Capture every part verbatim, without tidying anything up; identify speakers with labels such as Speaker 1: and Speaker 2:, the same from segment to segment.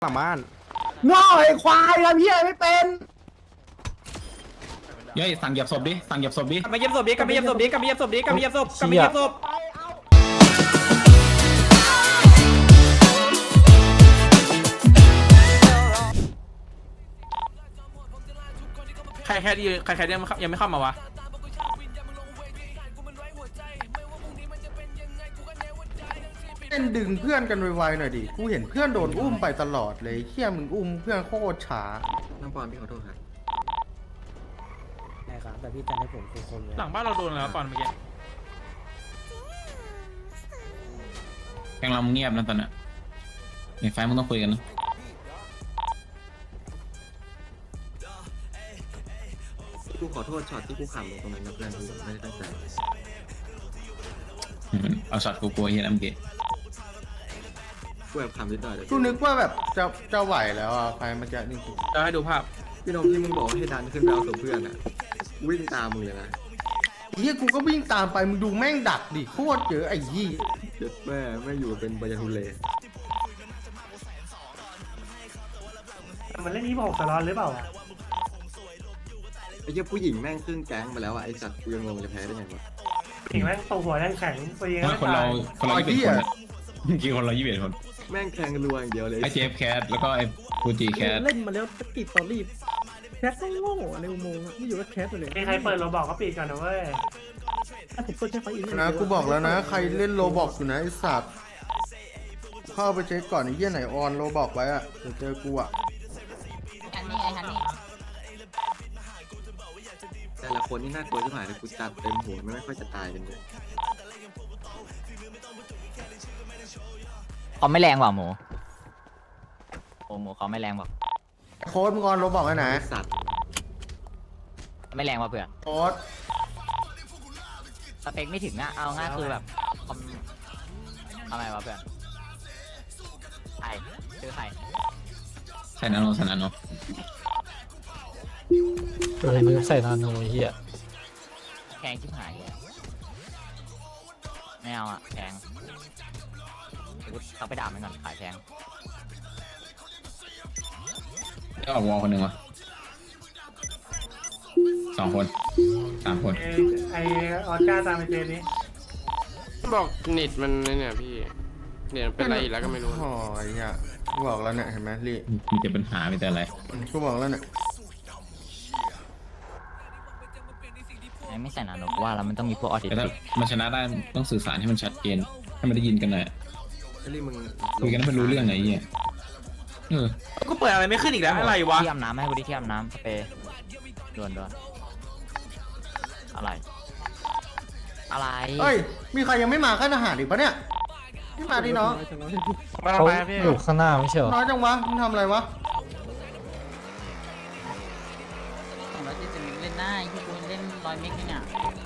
Speaker 1: หลังบ้าน
Speaker 2: ง่อไอ้ควายทำเหี้ยไม่เป็น
Speaker 3: เย้ยสั่งเหยียบศพดิสั่งเหยียบศพดิ
Speaker 4: กลับมาเย็บศพดิกลับมาเย็บศพดิกลับมาเย็บศพดิกลับมาเย็บศพกลับมาเย็บศพ
Speaker 1: ใครแค่ดีใครแค่ยังไม่ยังไม่เข้ามาวะเล่นดึงเพื่อนกันไวๆหน่อยดิกูเห็นเพื่อนโดนอุ้มไปตลอดเลยเฮี้ยมึงอุ้มเพื่อนโคตรช้า
Speaker 5: น้องปอนพี่ขอโทษครับ
Speaker 2: ใช่ครับแต่พี่จันให้ผมคือคนเลย
Speaker 1: หลังบ้านเราโดนแล้วก่อนเมื่อกี้
Speaker 3: แกงเราเงียบนะตอนนี้ในไฟมึงต้องคุยกันนะ
Speaker 5: กูขอโทษช็อตที่กูขำลงตรงนั้นนะเพื่อนกูไม่ได้ตั้งใจ
Speaker 3: อืมเอาช็อตกูกลัวเฮียน้ำเกะ
Speaker 5: กูแอบขำนิดหน่อยเดี๋ยว
Speaker 1: กูนึกว่าแบบจะจะไหวแล้วอ่ะไฟมันจะนี่จะให้ดูภาพ
Speaker 5: พี่นมที่มึงบอกว่าให้ดันขึ้นไปเอาศพเพื่อนอ่ะวิ่งตามมึงเลยนะ
Speaker 1: เฮียกูก็วิ่งตามไปมึงดูแม่งดักดิโคตรเยอะไอ้ยี่
Speaker 5: เจ็ดแม่ไม่อยู่เป็นบายาทุเล
Speaker 2: มันเล่นนี้บอกสล็อตหรือเปล่า
Speaker 5: ไอ้เจ้าผู้หญิงแม่งครึ่งแก๊งไปแล้วอ่ะไอ้สัตว์กูยังงงจะแพ้ได้ไงวะ
Speaker 2: ถึงแม่งตหัวยังแข็งไปยัง
Speaker 3: ว่าคนเราคนเรายี่สิบเอ็ดคนเมื่อกี้คนเรายี่สิบเอ็ดคน
Speaker 5: แม่งแทงรัวอย่างเดียวเลย
Speaker 3: ไอเจฟแคทแล้วก็ไอฟูจิแคท
Speaker 6: เล่นมาแล้วตะกี้ตอรี่แคสก็โง่ในอุโมงค์ไม่อยู่ก็แคสไปเลย
Speaker 2: ใครเปิดเราบอกก็ปิดก่อนนะเว้ย
Speaker 6: ถ้าผมเปิดแค่ไฟอิน
Speaker 1: นะกูบอกแล้วนะใครเล่นโลบอกอยู่นะไอ้สัตว์เข้าไปเช็คก่อนไอ้เหี้ยไหนออนโลบอกไว้อะเดี๋ยวเจอกูอะ
Speaker 7: อันนี้ไงอันนี้
Speaker 5: แต่ละคนนี่น่ากลัวที่หายเลยกูจัดเต็มหัวไม่ค่อยจะตายกันเลย
Speaker 7: เขาไม่แรงว่ะหมูโอ้หมูเขาไม่แรงบอก
Speaker 1: โค้ดมึงออนโลบอกไว้ไหน
Speaker 5: ไอ้สัตว์
Speaker 7: ไม่แรงว่ะเพื่อน
Speaker 1: โค้ด
Speaker 7: สเปคไม่ถึงอะเอาง่ายคือแบบคอมทำไมวะเพื่อนใครชื่อใคร
Speaker 3: ใส่นาโนใส่นาโน
Speaker 6: เออมึงใส่นาโนเฮีย
Speaker 7: แพงชิบหายไม่เอาอะแพงเขาไปด่ามันก่อนขายแพง
Speaker 3: ได้ออกวอลคนหนึ่งวะสองคนสามคน
Speaker 2: ไอออสการ์ตามไปเจนี้
Speaker 8: บอกเน็ตมันเนี่ยพี่เน็ตมันเป็นอะไรอีกแล้วก็ไม่รู้
Speaker 1: โอ้ยเหี้ยกูบอกแล้วเนี่ยเห็นไหมลี่
Speaker 3: มีแต่ปัญหามีแต่อะไร
Speaker 1: กูบอกแล้วเนี่ย
Speaker 7: ไม่ใส่หนาหนกว่าแล้วมันต้องมีพวกออทิส
Speaker 3: แต่ถ้า
Speaker 7: ติก
Speaker 3: มันชนะได้ต้องสื่อสารให้มันชัดเจนให้มันได้ยินกันหน่อย
Speaker 5: ไอ้ลี่มึง
Speaker 3: คุยกันให้มันรู้เรื่องไงไอ้เหี้ยเออ
Speaker 1: ก็เปิดอะไรไม่ขึ้นอีกแล้วอะไรวะ
Speaker 7: ที่อาบน้ำให้กูดิที่อาบน้ำสเปรย์ด่วนด่วนอะไร อะไร
Speaker 1: เฮ้ยมีใครยังไม่มาขั้นอาหารอีกปะเนี่ยไม่มาดิน้อง
Speaker 6: เขาอยู่ข้างหน้าไม่ใช่เหรอ
Speaker 1: น้อยจังวะมึงทำอะไรวะ
Speaker 7: สองร้อยเจ็ดสิบเล่นได้ที่กูเล่นร้อยเมกเนี่ย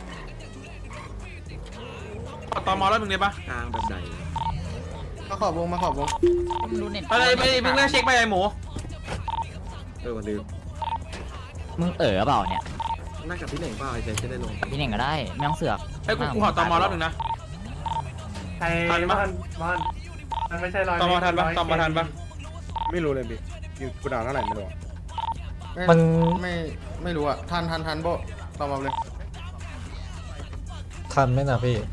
Speaker 1: ตอมอแล้วมึงเลยปะ
Speaker 5: กลางแบบใด
Speaker 1: มาขอบวงมาขอบวง
Speaker 7: มึงดูเน็ต
Speaker 1: ไปเลยไปมึงเล่นเช็คไปไอ้หมู
Speaker 5: เออวันลืม
Speaker 7: มึงเอ๋อเปล่าเนี่ย
Speaker 5: นั่งกับพี่เหน่งเปล่าไอ้เจจะได้ลง
Speaker 7: พี่เน่งก็ได้ไม่ต้องเสือก
Speaker 1: ไอ้กูกูขอตอมอแล้วหนึ่งนะ
Speaker 2: ใครมอนมอนมันไม่ใช่ร้อย
Speaker 1: ตอมอทันปะตอมอทันปะ
Speaker 8: ไม่รู้เลยพี่อยู่กูด่าเท่าไหร่ไม่รู้
Speaker 6: มัน
Speaker 1: ไม่ไม่รู้อะทันทันทันโบตอมอเลย
Speaker 6: ทันไหมนะพี่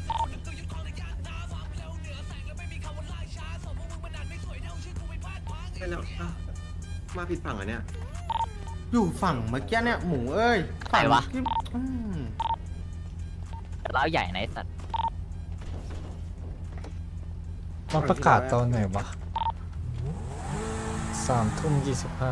Speaker 5: ใช่แล้วอ้าวมาผิดฝั่งอ่ะเนี่ย
Speaker 1: อยู่ฝั่งเมื่อกี้เนี่ยหมูเอ้ยฝั่งที่อืม
Speaker 7: เล้าใหญ่ไหนสัตว์
Speaker 6: มันประกาศตอนไหนวะสามทุ่มยี่สิบห้า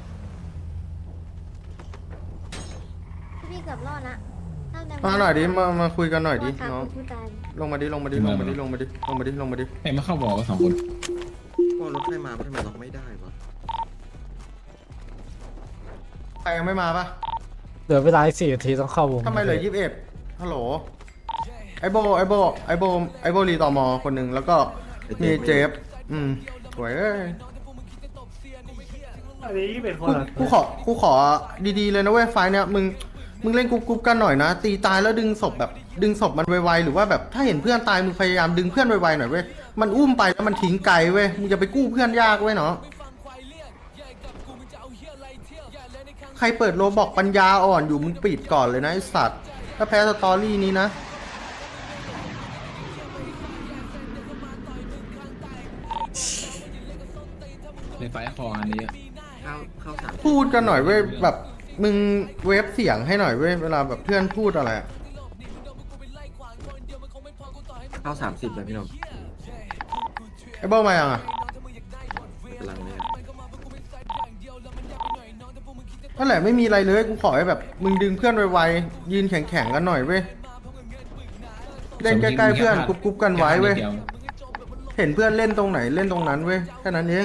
Speaker 9: พี่เกือบรอดละ
Speaker 1: มาหน่อยดิมามาคุยกันหน่อยดิ
Speaker 9: ว่า
Speaker 1: น้อง
Speaker 9: คุณผู้ตาย
Speaker 1: ลงมาดิลงมาดิลงมาดิลงมาดิลงมาดิลงมาดิ
Speaker 3: ไอ้มาเข้าวอลก็สองคน
Speaker 5: ก็รถใครมาก็ทำไมล็อกไม่ได้วะ
Speaker 1: ใครยังไม่มาปะ
Speaker 6: เหลือเวลาอีกสี่นาทีต้องเข้าวง
Speaker 1: ทำไมเหลือยี่สิบเอ็ดฮัลโหลไอโบไอโบไอโบไอโบรีตอมอคนหนึ่งแล้วก็มีเจฟอืมสวยเอ้ย
Speaker 2: อันนี้ยี่สิบเอ็ดคน
Speaker 1: กู
Speaker 2: เหรอ
Speaker 1: กูขอกูขอดีๆเลยนะเว้ยไฟล์เนี่ยมึงมึงเล่นกรุ๊ปๆกันหน่อยนะ ตีตายแล้วดึงศพแบบดึงศพมันไวๆหรือว่าแบบถ้าเห็นเพื่อนตายมึงพยายามดึงเพื่อนไวๆหน่อยเว้ยมันอุ้มไปแล้วมันทิ้งไกลเว้ยมึงจะไปกู้เพื่อนยากเว้ยเนาะใครเปิดโลบอกปัญญาอ่อนอยู่มึงปิดก่อนเลยนะไอสัตว์ถ้าแพ้สตอรี่นี้นะ
Speaker 3: ในไฟคออันนี้
Speaker 5: เข้าเข้าสาม
Speaker 1: พูดกันหน่อยเว้ยแบบมึงเวฟเสียงให้หน่อยเว้ยเวลาแบบเพื่อนพูดอะไรอะ
Speaker 5: เข้าสามสิบเลยพี่หนุ่ม
Speaker 1: ไอ้เบ้ามายังอ่ะ
Speaker 5: กำลังเนี่ย
Speaker 1: นั่นแหละไม่มีอะไรเลยกูขอให้แบบมึงดึงเพื่อนไวๆยืนแข็งๆกันหน่อยเว้ยเล่นใกล้ๆเพื่อนกรุ๊ปๆกันไว้เว้ยเห็นเพื่อนเล่นตรงไหนเล่นตรงนั้นเว้ยแค่นั้นเอง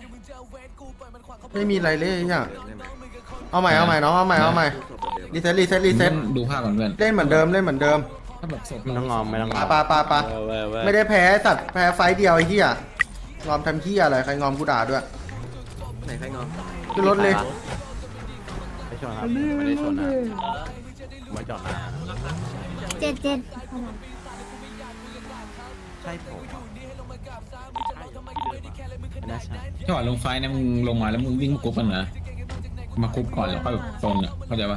Speaker 1: ไม่มีอะไรเลยอ่ะ
Speaker 5: เดิมได้ไหม
Speaker 1: เอาใหม่เอาใหม่น้องเอาใหม่เอาใหม่
Speaker 5: ตู้ศพแบบเดิม
Speaker 1: รีเซ็ตรีเซ็ตรีเซ็ต
Speaker 3: ดูภาพก่อนเพื่อน
Speaker 1: เล่นเหมือนเดิมเล่นเหมือนเดิม
Speaker 3: ถ้าแบบสด
Speaker 4: ไม่ต้องงอมไม่ต้องงอม
Speaker 1: ปาปาปาไม่ได้แพ้สัตว์แพ้ไฟต์เดียวไอ้เหี้ยงอมทำเหี้ยอะไรใครงอมกูด่าด้วย
Speaker 5: ไหนใครงอม
Speaker 1: ขึ้นรถเลย
Speaker 4: ไม่ชนครับไม่ได้ชนนะไม่จอดนะ
Speaker 9: เจ็ดเจ็ด
Speaker 4: ใช่ผมไม่น่าใช่
Speaker 3: จังหวะลงไฟนะมึงลงมาแล้วมึงวิ่งมากรุ๊ปกันนะมากรุ๊ปก่อนแล้วค่อยแบบโซนอ่ะเข้าใจปะ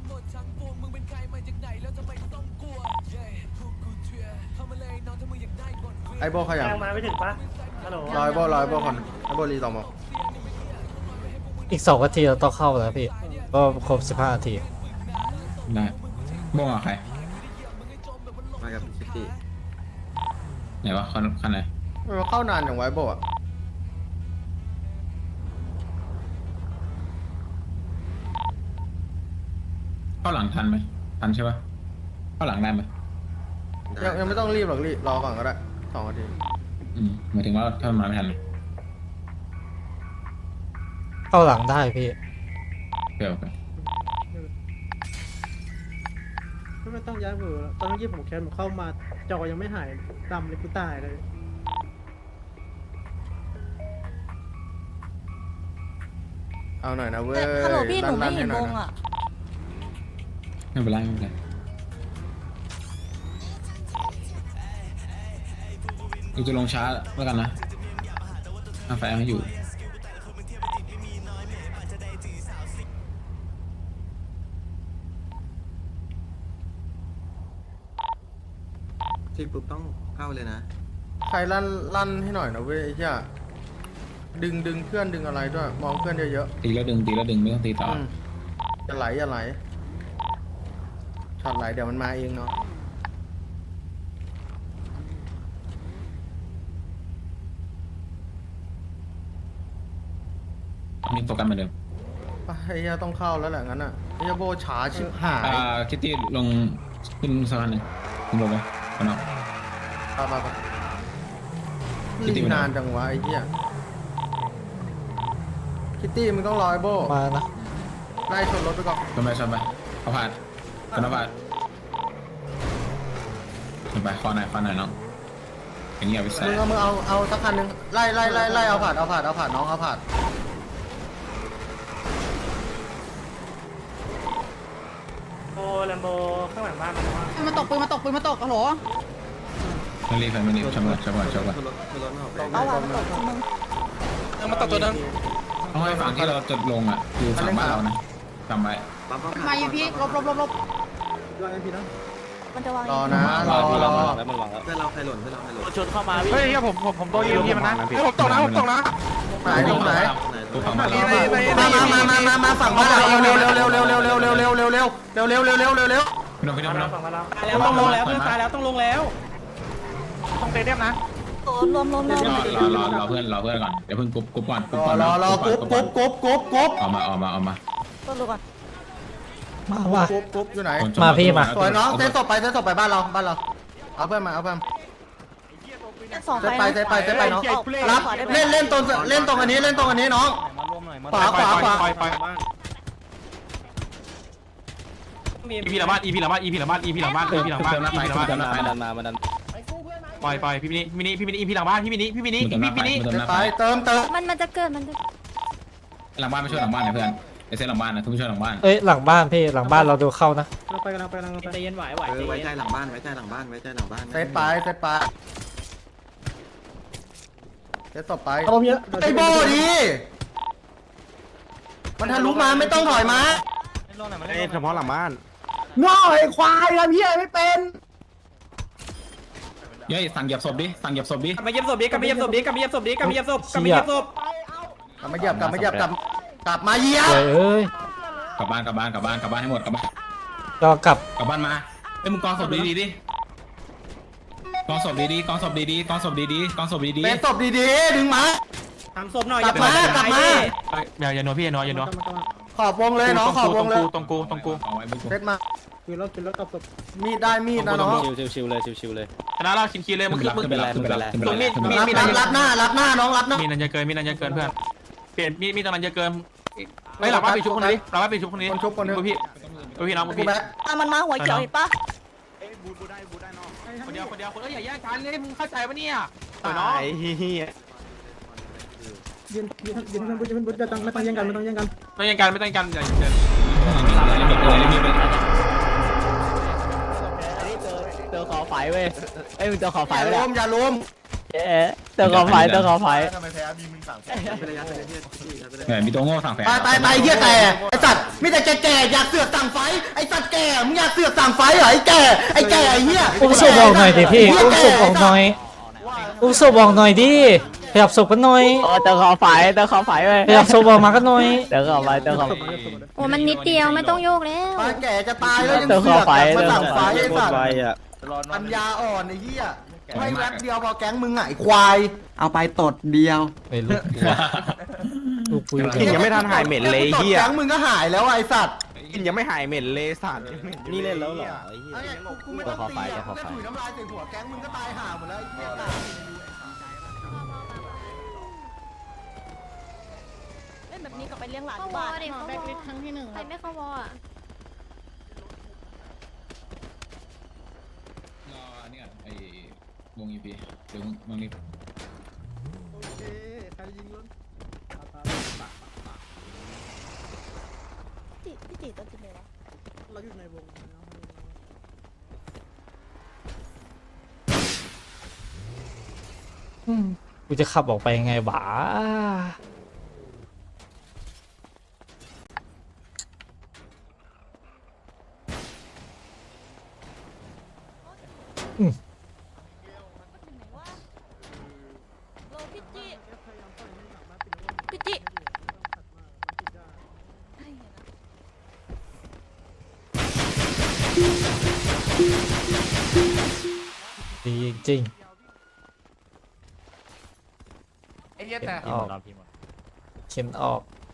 Speaker 1: ไอโบเขายัง
Speaker 2: ยังมาไม่ถึงปะฮัลโหล
Speaker 1: รอยโบรอยโบคนไอโบรีต่อมา
Speaker 10: อีกสองนาทีเราต้องเข้าแล้วพี่ ก็ครบสิบห้านาที
Speaker 3: ได้บ้งอ่ะใคร
Speaker 5: มากับซิตี้
Speaker 3: ไหนวะคันคันไหน
Speaker 1: มันเข้านานอย่างไวโบอ่ะ
Speaker 3: เข้าหลังทันไหมทันใช่ปะเข้าหลังได้ไหม
Speaker 1: ยังยังไม่ต้องรีบหรอกรีบรอก่อนก็ได้สองนาที
Speaker 3: อืมหมายถึงว่าถ้ามันมาไม่ทัน
Speaker 10: เข้าหลังได้พี่
Speaker 3: เดี๋ยวไป
Speaker 6: ไม่ต้องย้ายเบอร์แล้วตอนนี้ผมแคสผมเข้ามาจอยังไม่หายดำเลยกูตายเลย
Speaker 1: เอาหน่อยนะเว้ย
Speaker 9: ฮัลโหลพี่หนูไม่เห็นวง
Speaker 1: ๆ
Speaker 9: อ่ะ
Speaker 3: ไม่เป็นไรไม่เป็นไรกูจะลงช้าแล้วกันนะเอาไฟให้อยู่
Speaker 5: ที่ปุ๊บต้องเข้าเลยนะ
Speaker 1: ใครลั่นลั่นให้หน่อยนะเว้ยไอ้เหี้ยดึงดึงเพื่อนดึงอะไรด้วยมองเพื่อนเยอะ
Speaker 3: ตีแล้วดึงตีแล้วดึงไม่ต้องตี
Speaker 1: ๆ
Speaker 3: ต่อ
Speaker 1: อืมอย่าไหลอย่าไหลช็อตไหลเดี๋ยวมันมาเองเนาะ
Speaker 3: มีโฟกัสเหมือนเดิม
Speaker 1: ไปไอ้เหี้ยต้องเข้าแล้วแหละงั้นอ่ะไอ้เหี้ยโบช้าชิบหาย
Speaker 3: อ่าคิตตี้ลงขึ้นสะพานหนึ่งขึ้นลงไปเอาเนาะ
Speaker 1: ไปไปไป
Speaker 3: คิตตี้
Speaker 1: รี
Speaker 3: ไปไหน
Speaker 1: นานจังวะไอ้เหี้ยคิตตี้มึงต้องรอไอ้โบ
Speaker 10: มานะ
Speaker 1: ไล่ชนรถไปก่อน
Speaker 3: ชนไปชนไปเอาผ่านชนเอาผ่านชนไปคอหน่อยคอหน่อยน้องอย่างเงี้ยไปใส่
Speaker 1: มึงเอามึงเอาเอาสักคันหนึงไล่ไล่ไล่ไล่เอาผ่านเอาผ่านเอาผ่านน้องเอาผ่าน
Speaker 2: โบแลมโบข้างหลังบ้านมันว่า
Speaker 9: มาตกปืนมาตกปืนมาตกฮัลโหล
Speaker 3: ไม่รีบไม่รีบชนก่อนชนก่อนชนก่อน
Speaker 5: ขึ้นรถขึ้นรถไม่ออกไป
Speaker 9: เอาว่ะมาตกมึง
Speaker 8: มาตัดตัวนั้น
Speaker 3: ต้องให้ฝั่งที่เราจะลงอ่ะอยู่ฝั่งบ้านเรานะจำไว้
Speaker 5: ปั๊มปั๊ม
Speaker 9: มาอยู่พี่ลบลบลบลบ
Speaker 6: รอเอ็มพีนะ
Speaker 9: มันจะวาง
Speaker 1: รอนะรอรอ
Speaker 5: เพื่อนเราใครหล่นเพื่อนเราใครหล่น
Speaker 4: ชนเข้ามาพี่
Speaker 8: เฮ้ยผมผมผมโดนยิงมันนะให้ผมตกนะผมตกนะ
Speaker 1: ไหนตรงไหน
Speaker 3: ตัวฝั่งบ้านเรา
Speaker 1: มามามามามาฝั่งบ้านเราเร็วเร็วเร็วเร็วเร็วเร็วเร็วเร็วเร็วเร็วเร็วเร็วเร็วเร็วเร็วเร็วเร็ว
Speaker 3: พี่น้องพี่น้อง
Speaker 2: มา
Speaker 3: พี่น้
Speaker 2: เรา
Speaker 3: อง
Speaker 2: ฝั่งมาเรา
Speaker 4: ตายแล้วต้องลงแล้วเพื่อนตายแล้วต้องลงแล้ว
Speaker 8: ต้องเตะเรียมนะ
Speaker 9: รวมรวมรวม
Speaker 3: รอรอรอเพื่อนรอเพื่อนก่อนเดี๋ยวเพิ่งกรุ๊ปกรุ๊ปก่อนกรุ๊ปก่อน
Speaker 1: รอรอกรุ๊ปกรุ๊ปกรุ๊ปกรุ๊ปกรุ๊ป
Speaker 3: ออกมาออกมาออกมา
Speaker 9: ต้นดูก่อน
Speaker 10: มาว่ะ
Speaker 1: กรุ๊ปกรุ๊ปอยู่ไหน
Speaker 10: มาพี่มา
Speaker 1: สวยน้องเซตศพไปเซตศพไปบ้านเราบ้านเราเอาเพื่อนมาเอาเพื่อน
Speaker 9: สอง
Speaker 1: เซต
Speaker 9: ไป
Speaker 1: ไปเซตไปเซตไปน้องรับเล่นเล่นตรงเล่นตรงอันนี้เล่นตรงอันนี้น้องขวาขวาขวา
Speaker 8: ไปไป
Speaker 4: มี
Speaker 8: อีพีหลังบ้านอีพีหลังบ้านอีพีหลังบ้านอีพีหลังบ้านอีพีหลังบ้าน
Speaker 3: เติม
Speaker 8: อี
Speaker 3: น้ำไป
Speaker 8: พีหลังบ้าน
Speaker 3: เติมน้ำไป
Speaker 4: ดันมามาดัน
Speaker 8: ปล่อยปล่อยพี่มินิพี่มินิพี่มินิอีพีหลังบ้านพี่มินิพี่มินิ
Speaker 3: เติม
Speaker 8: พี่
Speaker 3: น้ำไป
Speaker 8: มินิ
Speaker 3: เติม
Speaker 1: เซต
Speaker 3: น้ำ
Speaker 1: ไป
Speaker 3: ไป
Speaker 1: เติมเติม
Speaker 9: มันมันจะเกิดมันจะ
Speaker 3: หลังบ้านไม่ช่วยหลังบ้านนะเพื่อนไอเซนหลังบ้านนะทุกผู้ช่วยหลังบ้าน
Speaker 10: เอ้ยหลังบ้านพี่หลังบ้านเราดูเข้านะ
Speaker 6: เราไปกันเราไปกันเราไป
Speaker 4: ใจเย็นไหวไหว
Speaker 5: เออไว้ใจหลังบ้านไว้ใจหลังบ้านไว้ใจหลังบ้าน
Speaker 1: เซตไปเซตไปจะต่อไป
Speaker 6: เอาผมเยอะ
Speaker 1: ไอ้โบดิมันทะลุมาไม่ต้องถอยมา
Speaker 4: เอ้เฉพาะหลังบ้าน
Speaker 6: ง่อไอ้ควายทำเหี้ยไม่เป็น
Speaker 3: เย้ยสั่งเหยียบศพดิสั่งเหยียบศพดิ
Speaker 2: กลับมาเยี่ยมศพดิกลับมาเยี่ยมศพดิกลับมาเยี่ยมศพดิกลับมาเยี่ยมศพกลับมาเยี่ยมศพ
Speaker 1: กลับมาเหยียบกลับมาเหยียบกลับกลับมาเหยียบ
Speaker 10: เว้ยเอ้ย
Speaker 3: กลับบ้านกลับบ้านกลับบ้านกลับบ้านให้หมดกลับบ้าน
Speaker 10: ก็กลับ
Speaker 3: กลับบ้านมาเอ้ยมึงกองศพดีๆดิกองศพดีๆกองศพดีๆกองศพดีๆกองศพดี
Speaker 1: เป็นศพดีๆดึงมา
Speaker 2: ทำศพหน่อย
Speaker 1: กลับมากลับมา
Speaker 8: อย่าอย่านัวพี่อย่านัวอย่านัว
Speaker 1: ขอบวงเลยน้องขอบวงเลย
Speaker 8: ตรงกูตรงกู
Speaker 3: เอาไว้มึง
Speaker 1: เซตมา
Speaker 6: คือแล้วคือแล้วกลับศพ
Speaker 1: มีดได้มีดนะน้อง
Speaker 4: ชิวๆเลยชิวๆเลย
Speaker 8: ชนะเราคินคีเลยมึง
Speaker 3: ขึ้น
Speaker 8: ขึ้น
Speaker 3: ไป
Speaker 8: มึง
Speaker 3: รับขึ้นไปรับขึ้นไปรับขึ้นไป
Speaker 8: มี
Speaker 3: รับ
Speaker 8: มี
Speaker 1: รับรับรับหน้ารับหน้าน้องรับหน้า
Speaker 8: มีนันจะเกินมีนันจะเกินเพื่อนเปลี่ยนมีมีตอนนั้นจะเกินไม่หลับว่าปีชุบคนนี้หลับว่าปีชุบคนนี้
Speaker 1: คนชุบคนนึง
Speaker 8: พี่พี่น้อง
Speaker 1: กู
Speaker 8: พี่
Speaker 1: แบ็ค
Speaker 9: อ่ะมันมาหัวเขียวเห็นปะ
Speaker 8: คนเดียวคนเดียวคนเอ้ยอย่าแย่งกันเลยมึงเข้าใจปะเนี่ยต่อยน้อง
Speaker 4: ไอ้เหี้ย
Speaker 6: ยืนยืนยืนยืนยืนยืนยืนจะต้องไม่ต้องแย่งกันไม่ต้องแย่งกัน
Speaker 8: ไม่ต้องกันไม่ต้องกันอย่าเกิน
Speaker 7: เจอขอไฟเว้ยเอ้ยมึงเจอขอไฟ
Speaker 1: อย่า
Speaker 7: ไป
Speaker 1: ล้
Speaker 7: แล้ว
Speaker 1: มอย่าล้ม
Speaker 7: เอ๊ะเจอขอไฟเจอขอไฟ
Speaker 5: ทำไมแพ้มีมึงสามคนไปเลยยัดไปเลยพี่พี่ยัดไปเลย
Speaker 3: เนี่ยมีตัวโง่สั่งแฝง
Speaker 1: ไปไปไปเฮียแก่ไอสัตว์มีแต่แก่ๆอยากเสือกสั่งไฟไอสัตว์แก่มึงอยากเสือกสั่งไฟเหรอไอแก่ไอแก่ไอเฮีย
Speaker 10: อุ้มศพออกหน่อยดิพี่อุ้มศพออกหน่อยอุ้มศพออกหน่อยดิขยับศพกันหน่อย
Speaker 7: โอ้เจอขอไฟเจอขอไฟเว้ย
Speaker 10: ขยับศพออกมากันหน่อย
Speaker 7: เจอขอไฟเจอขอไฟ
Speaker 9: โอ้มันนิดเดียวไม่ต้องโยกแล้ว
Speaker 1: ปลาแก่จะตายแล้วยัง
Speaker 7: เติม
Speaker 1: เสือก
Speaker 7: เข้าไป
Speaker 1: มาสั่งไฟไอสัตว์
Speaker 4: ไปอ่ะ
Speaker 1: ปัญญาอ่อนไอเฮียให้แวบเดียวพอแก๊งมึงไงควาย
Speaker 5: เอาไปตดเดียว
Speaker 10: ไม่รู้ลูกปุย
Speaker 4: กินยังไม่ทันหายเหม็นเลย
Speaker 1: ตด
Speaker 4: เหี้ย
Speaker 1: แก๊งมึงก็หายแล้วไอสัตว์
Speaker 4: กินยังไม่หายเหม็นเลยสัตว์นี่เล่นแล้วเหรอไอ้เหี้ย
Speaker 1: ไอ้กูไม่ต้องตีอ่ะแล้วถุยน้ำลายใส่หัวแก๊งมึงก็ตายห่าหมดแล้วไอ้เหี้ยตาย
Speaker 9: เล่นแบบนี้กลับไปเลี้ยงหลานที่บ้านแบกลิสครั้งที่หนึ่งใครไม่เข้าวออ่ะ
Speaker 3: รอเนี่ยไอ้วงอีพีเดี๋ยวมึงนี่
Speaker 6: โอเคใครยิงล้น
Speaker 9: จิพี่จิตตัวจริงเลยวะ
Speaker 6: เราอยู่ในวง
Speaker 10: อืมกูจะขับออกไปยังไงบ้าอืม
Speaker 9: โลพี่จิพี่จิให้เห็นนะ
Speaker 10: ดีจริง
Speaker 8: ไอ้เหี้ยแต่
Speaker 10: ๆออกเข็มออก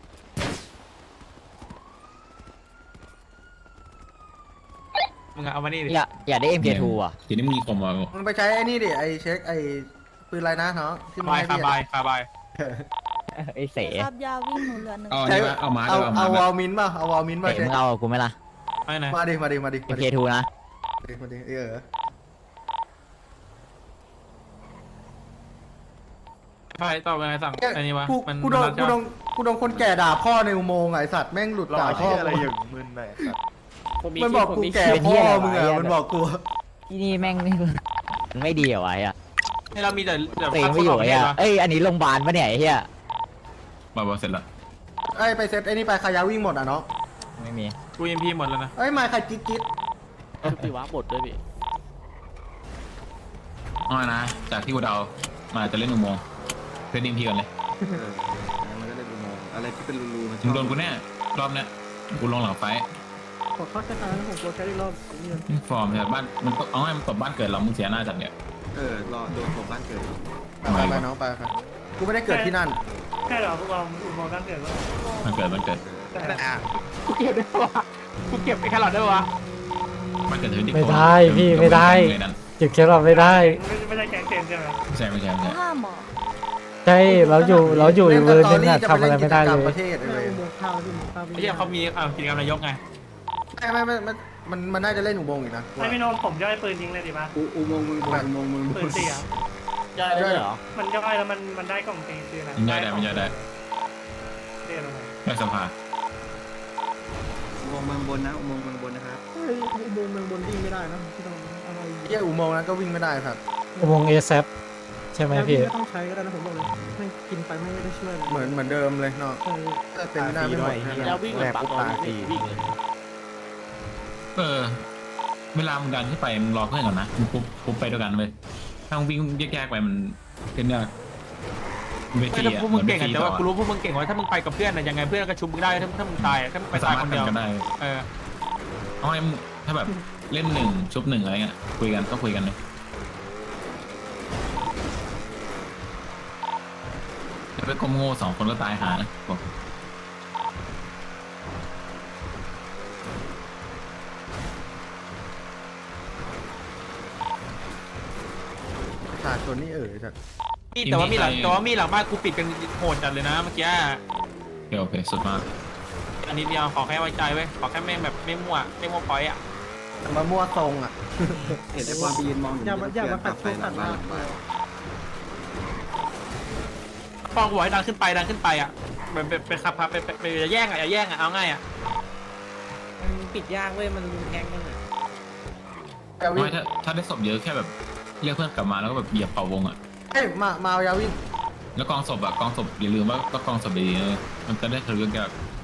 Speaker 8: มึงเอามานี่ดิ
Speaker 7: อยากอยากได้ เอ็ม เค ทู อ่ะ
Speaker 3: ทีนี้มึงมีคอมมา
Speaker 1: มึงไปใช้ไอ้นี่ดิไอ้เช็คไอ้ปืนอะไรนะเนาะที่มึง
Speaker 8: บาย
Speaker 1: ให้
Speaker 8: คา
Speaker 1: พี่
Speaker 8: บายคาบาย
Speaker 7: ไอ้เส
Speaker 9: คาบยาวิ่งหนูเรือนหนึ่ง
Speaker 3: เอาอัน
Speaker 1: ใช้
Speaker 3: นี้มาเอามา
Speaker 1: เอา
Speaker 3: เอา
Speaker 1: เอา
Speaker 3: มาว
Speaker 1: อลมินป่ะเอาวอลมินป่ะ
Speaker 7: เตะ
Speaker 1: เช็
Speaker 7: มึ
Speaker 1: ค
Speaker 7: งเอากับกูไหมล่ะ
Speaker 8: ไม่ไหน
Speaker 1: มาดิมาดิมาดิ
Speaker 7: เอ็
Speaker 1: มาม ดิ
Speaker 7: เค ทู นะ
Speaker 1: มาดิมาดิเออ
Speaker 8: ไปต่อไปไงสั่งไอ้นี่วะ
Speaker 1: กู
Speaker 8: มัน
Speaker 1: กูโดน
Speaker 8: มัน
Speaker 1: กูโดนกูโดนคนแก่ด่าพ่อในอุโมงค์ไอ้สัตว์แม่งหลุดด่าพ่อ
Speaker 5: อะไรอย่างมึนเลย
Speaker 1: มันบอกกูแก่พ่อมึงอะมันบอกกู
Speaker 7: ที่นี่แม่งไม่มันไม่ดีเหรอวะไอ้อะ
Speaker 8: ให้เรามีแต่เดี๋ยว
Speaker 7: เตะไม่อยู่ไอ้อะเอ้ยอันนี้โรงพยาบาลปะเนี่ยไอ้เหี้ย
Speaker 3: มาบอเสร็จแล้ว
Speaker 1: ไอ้ยไปเซตไอ้นี่ไปขายาวิ่งหมดอ่ะเนาะ
Speaker 7: ไม่มี
Speaker 8: กูเอ็มพีหมดแล้วนะ
Speaker 1: เอ้ยมาใครจิ๊ดจิ๊ด
Speaker 4: พี่วะบทด้วยพี่
Speaker 3: เอานะจากที่กูเดามาจะเล่นอุโมงค์เพื่อนดิมพีกันเลย
Speaker 5: เออมันก็เลยดูมองอะไรที่เป็นรูๆมันช
Speaker 3: มึ
Speaker 5: อง บ
Speaker 3: โดนกูแน่รอบเนี้ยกูลงหลังไฟ
Speaker 6: ขอเข้าแค่ครั้งนะผมกลัวแค่อีกรอบนี่
Speaker 3: ฟอร์มเนี่ยบ้านมันตกเอาให้มันตบบ้านเกิดเรามึงเสียหน้าจัดเนี่ย
Speaker 5: เออรอโดนผมบ้านเกิด
Speaker 1: ไปไปน้องไปไปกูไม่ได้เกิดที่นั่น
Speaker 2: แค่เหรอพวกเราอุโมงค์ตั้งเกิดว่า
Speaker 3: มันเกิดมันเกิด
Speaker 8: กูเก็บได้ปะวะกูเก็บไอ้แครอทได้ปะวะ
Speaker 3: มันเกิดที่
Speaker 10: ไม่ได้พี่ไม่ได้เก็บแค่เราไม่ได้
Speaker 2: ไม่ใช่แกงเต็มใช่ไหม
Speaker 3: ไม่ใช่ไม่ใช่ไม่ใช่
Speaker 9: ห้ามหมอ
Speaker 10: ใช่เราอยู่เราอยู่อีกเวอร์นึงอะ
Speaker 1: จะ
Speaker 10: ทำอะไรไม่ได้เล
Speaker 1: ป
Speaker 10: ย
Speaker 1: ระเทศเลย
Speaker 6: อุโมงค์ข้าวที่อุโมงค์ข้าว
Speaker 8: ไอ้เหี้ยเขามีอ่ากิจกรรมนายกไง
Speaker 1: ไม่ไม่ไม่มันมันมันน่าจะเล่นอุโมงค์อีกนะ
Speaker 2: ไม่พี่โนมผมย่อยปืนยิงเลยดีป่ะ
Speaker 5: อุโมงค์มึงบนอุโมงค์มึง
Speaker 2: ปืนเสีย
Speaker 7: ได้ด้วยเหรอ
Speaker 2: มันย่อยแล้วมันมันได้กล่องตีคืออะไร
Speaker 3: มันย่อยได้มันย่อยได้
Speaker 2: เรียกอะไร
Speaker 3: ย่อยสภา
Speaker 5: อุโมงค์เมืองบนนะอุโมงค์เมืองบนนะครับ
Speaker 6: เฮ้ยอุโมงค์เมืองบนวิ่งไม่ได้นะพี่ต้องอะไร
Speaker 1: เฮียอุโมงค์นั้นก็วิ่งไม่ได้ครับ
Speaker 10: อุโมงค์เอแซปใช่ไหม
Speaker 6: ยา
Speaker 10: พี่
Speaker 6: ไม่ต้องใช้ก็ได้นะผมบอกเลยไม่กินไปไม่ได้ช่วยเลย
Speaker 1: เหมือนเหมือนเดิมเลยเนาะ
Speaker 6: เออ
Speaker 1: แต่เต็มหน้าไม่หมดแค่นั้น
Speaker 4: แล้ววิ่งแหลกปุ๊บตายฟรี
Speaker 3: เออ เวลามึงดันขึ้นไปมึงรอเพื่อนก่อนนะมึงปุ๊บปุ๊บไปด้วยกันเลยถ้ามึงวิ่งแยกๆไปมันเป็นยากเว
Speaker 8: ไม่
Speaker 3: ที
Speaker 8: ถ้า
Speaker 3: อะ
Speaker 8: พวกมึงเก่ง
Speaker 3: น
Speaker 8: อะ
Speaker 3: ป็น
Speaker 8: แต่ว่า
Speaker 3: ต่อ
Speaker 8: กูรู้พวกมึงเก่งว่าถ้ามึงไปกับเพื่อนอะยังไงเพื่อนก็ชุบมึงได้ถ้าถ้ามึงตายอะถ้ามึงไป
Speaker 3: ไม่สา
Speaker 8: ตาย
Speaker 3: มาร
Speaker 8: ค
Speaker 3: ถ
Speaker 8: นเดียว
Speaker 3: ทำกันได้
Speaker 8: เออ
Speaker 3: เอาให้มึงถ้าแบบเล่นหนึ่งชุบหนึ่งอะไรเงี้ยคุยกันก็คุยกันเลยแล้วไปกลมโง่สองคนก็ตายหานะบอก
Speaker 1: ประชาชนนี่เอ๋ยจัด
Speaker 8: มีแต่ว่ามีหลังแต่ว่ามีหลังบ้านกูปิดกันโหดจัดเลยนะเมื่อกี้
Speaker 3: โอเคโอเคสุดมาก
Speaker 8: อันนี้เดียวขอแค่ไว้ใจไว้ขอแค่ไม่แบบไม่มั่วไม่มั่วพอยต์อ่ะ
Speaker 1: มามั่วทรงอ่ะ
Speaker 5: เห็นไอ้ความไปยืนมอง
Speaker 6: อย่ามาอย่ามาขัด
Speaker 5: ไป
Speaker 6: ทุก
Speaker 5: หลั
Speaker 6: ขั
Speaker 5: ง
Speaker 6: ด
Speaker 5: บ้าน
Speaker 6: มา
Speaker 5: หลังบ้าน
Speaker 8: ฟองกูบอกให้ดันขึ้นไปดันขึ้นไปอ่ะแบบเป็นเป็นขับพับเป็นเป็นอย่าแย่งอ่ะอย่าแย่งอ่ะเอาง่ายอ่ะ
Speaker 6: ปิดยากเว้ยมันแทงกันอ่ะ
Speaker 1: ยาวิ
Speaker 3: ไม่ถ้าถ้าได้ศพเยอะแค่แบบเรียกเพื่อนกลับมาแล้วก็แบบเหยียบเป่าวงอ่ะ
Speaker 1: เอ้ยมามาเอายาวิ
Speaker 3: แล้วกองศพอ่ะกองศพอย่าลืมว่าก็กองศพดีๆนะมันจะได้ทะลุยาก